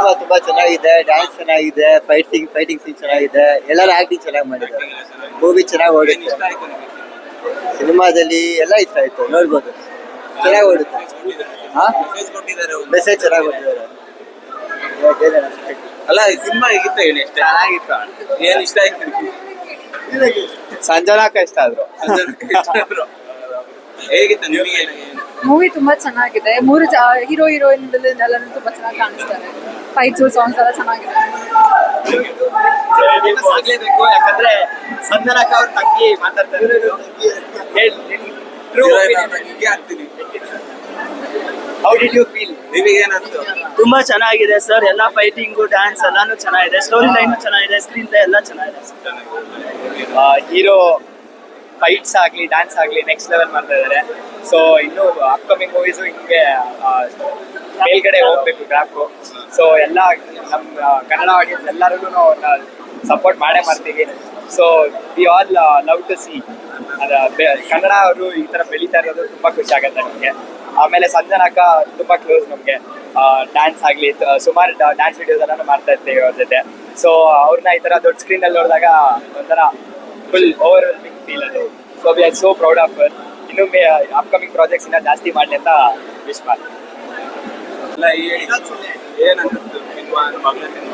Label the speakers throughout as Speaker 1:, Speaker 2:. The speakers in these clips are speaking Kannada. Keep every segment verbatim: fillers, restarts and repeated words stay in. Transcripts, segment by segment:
Speaker 1: ಸಿನಿಮಾ ತುಂಬಾ ಚೆನ್ನಾಗಿದೆ, ಡ್ಯಾನ್ಸ್ ಚೆನ್ನಾಗಿದೆ, ಫೈಟಿಂಗ್ ಫೈಟಿಂಗ್ ಸೀನ್ ಚೆನ್ನಾಗಿದೆ, ಎಲ್ಲರ ಆಕ್ಟಿಂಗ್ ಚೆನ್ನಾಗಿ ಮಾಡಿದ್ದಾರೆ. ಮೂವಿ ಚೆನ್ನಾಗಿ ಓಡುತ್ತೆ. ಸಿನಿಮಾದಲ್ಲಿ ಎಲ್ಲ ಇಷ್ಟ ಆಯ್ತು, ನೋಡ್ಬೋದು. ಚೆನ್ನಾಗಿ ಓಡುತ್ತೆ. ಹಾ, ಮೆಸೇಜ್ ಚೆನ್ನಾಗಿ ಕೊಟ್ಟಿದ್ದಾರೆ.
Speaker 2: ಅಲ್ಲ ಸಿನಿಮಾ ಹೇಗಿತ್ತು ಹೇಳಿ? ಚೆನ್ನಾಗಿತ್ತು. ಏನ್ ಇಷ್ಟ ಆಯ್ತು?
Speaker 3: ಸಂಜನಾಕ ಇಷ್ಟ ಆದ್ರು.
Speaker 2: ಹೇಗಿತ್ತು ನಿಮಗೆ?
Speaker 4: ಮೂವಿ ತುಂಬಾ ಚೆನ್ನಾಗಿದೆ. ಮೂರು ಹೀರೋ ಹೀರೋಯಿನ್ ಎಲ್ಲರೂ ತುಂಬಾ ಚೆನ್ನಾಗಿ ಕಾಣಿಸ್ತಾರೆ. ಫೈಟ್ಸ್ ಸಾಂಗ್ಸ್ ಎಲ್ಲ ಚೆನ್ನಾಗಿದೆ.
Speaker 3: ಆಗ್ಲೇಬೇಕು, ಯಾಕಂದ್ರೆ ಸಂಜನಾಕ ಅವ್ರ ತಂಗಿ ಮಾತಾಡ್ತಾರೆ. How did you feel?
Speaker 2: ನಿಮಗೆ ಏನಂತ?
Speaker 5: ತುಂಬಾ ಚೆನ್ನಾಗಿದೆ ಸರ್. ಎಲ್ಲ ಫೈಟಿಂಗು, ಡ್ಯಾನ್ಸ್ ಎಲ್ಲಾನು ಚೆನ್ನಾಗಿದೆ. ಸ್ಟೋರಿ ಲೈನ್ ಚೆನ್ನಾಗಿದೆ, ಸ್ಕ್ರೀನ್ ಪ್ಲೇ ಎಲ್ಲ ಚೆನ್ನಾಗಿದೆ.
Speaker 3: ಹೀರೋ ಫೈಟ್ಸ್ ಆಗಲಿ ಡ್ಯಾನ್ಸ್ ಆಗಲಿ ನೆಕ್ಸ್ಟ್ ಲೆವೆಲ್ ಮಾಡ್ತಾ ಇದ್ದಾರೆ. ಸೊ ಇನ್ನು ಅಪ್ಕಮಿಂಗ್ ಮೂವೀಸು ಹಿಂಗೆ ಮೇಲ್ಗಡೆ ಹೋಗ್ಬೇಕು ಗ್ರಾಫು. ಸೊ ಎಲ್ಲ ನಮ್ಮ ಕನ್ನಡ ಆಡಿಯನ್ಸ್ ಎಲ್ಲರಿಗೂ ಅವ್ರನ್ನ ಸಪೋರ್ಟ್ ಮಾಡೇ ಮಾಡ್ತೀವಿ. So we all love to see ಅದ ಕನ್ನಡ ಅವರು ಈ ಥರ ಬೆಳೀತಾ ಇರೋದು ತುಂಬ ಖುಷಿ ಆಗುತ್ತೆ ನಮಗೆ. ಆಮೇಲೆ ಸಂಜನಾಕ ತುಂಬ ಕ್ಲೋಸ್ ನಮಗೆ. ಡ್ಯಾನ್ಸ್ ಆಗಲಿ ಸುಮಾರು ಡ್ಯಾನ್ಸ್ ವಿಡಿಯೋಸ್ ಎಲ್ಲಾನು ಮಾಡ್ತಾ ಇರ್ತೀವಿ ಅವ್ರ ಜೊತೆ. ಸೊ ಅವ್ರನ್ನ ಈ ಥರ ದೊಡ್ಡ ಸ್ಕ್ರೀನಲ್ಲಿ ನೋಡಿದಾಗ ಒಂಥರ ಫುಲ್ ಓವರ್ ವೆಲ್ಮಿಂಗ್ ಫೀಲ್ ಅದು. So we are so proud of her. ಇನ್ನು ಮೇ ಅಪ್ಕಮಿಂಗ್ ಪ್ರಾಜೆಕ್ಟ್ಸ್ ಇನ್ನೂ ಜಾಸ್ತಿ ಮಾಡಲಿ ಅಂತ ವಿಶ್ ಮಾಡಿ.
Speaker 2: ಅಲ್ಲ ಏನಂತ ಸಿನಿಮಾ ಮಗಳ ಸಿನಿಮಾ?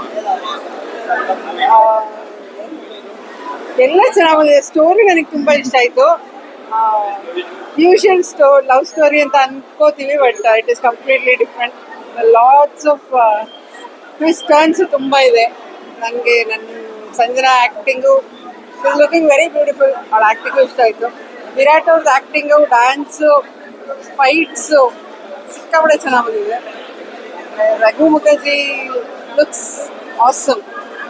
Speaker 4: ಎಲ್ಲ ಚೆನ್ನಾಗಿದೆ. ಸ್ಟೋರಿ ನನಗೆ ತುಂಬಾ ಇಷ್ಟ ಆಯ್ತು. ಯೂಶುವಲ್ ಸ್ಟೋ ಲವ್ ಸ್ಟೋರಿ ಅಂತ ಅನ್ಕೋತೀವಿ, but it is completely different. Lots of twist turns ತುಂಬಾ ಇದೆ. ನನಗೆ ನನ್ನ Sanjana acting is looking very beautiful. ಅವ್ಳ ಆ್ಯಕ್ಟಿಂಗು ಇಷ್ಟ ಆಯಿತು. ವಿರಾಟ್ ಅವ್ರದ್ದು ಆ್ಯಕ್ಟಿಂಗು, ಡ್ಯಾನ್ಸು, ಫೈಟ್ಸು ಸಿಕ್ಕಾಪಟ್ಟೆ ಚೆನ್ನಾಗಿ ಬಂದಿದೆ. Raghu Mukherjee looks awesome.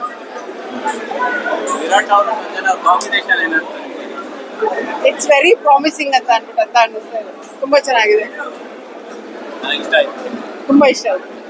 Speaker 2: ವಿರಾಟ್ ಅವರು ಸಂಜನಾ ಕಾಂಬಿನೇಷನ್ ಏನಂತ?
Speaker 4: ಇಟ್ಸ್ ವೆರಿ ಪ್ರಾಮಿಸಿಂಗ್ ಅಂತ ಅನ್ಬಿಟ್ಟು ಅಂತ ಅನ್ನಿಸ್ತಾ ಇದೆ. ತುಂಬ ಚೆನ್ನಾಗಿದೆ,
Speaker 2: ನನಗೆ ಇಷ್ಟ ಆಯ್ತು.
Speaker 4: ತುಂಬ ಇಷ್ಟ ಆಯಿತು.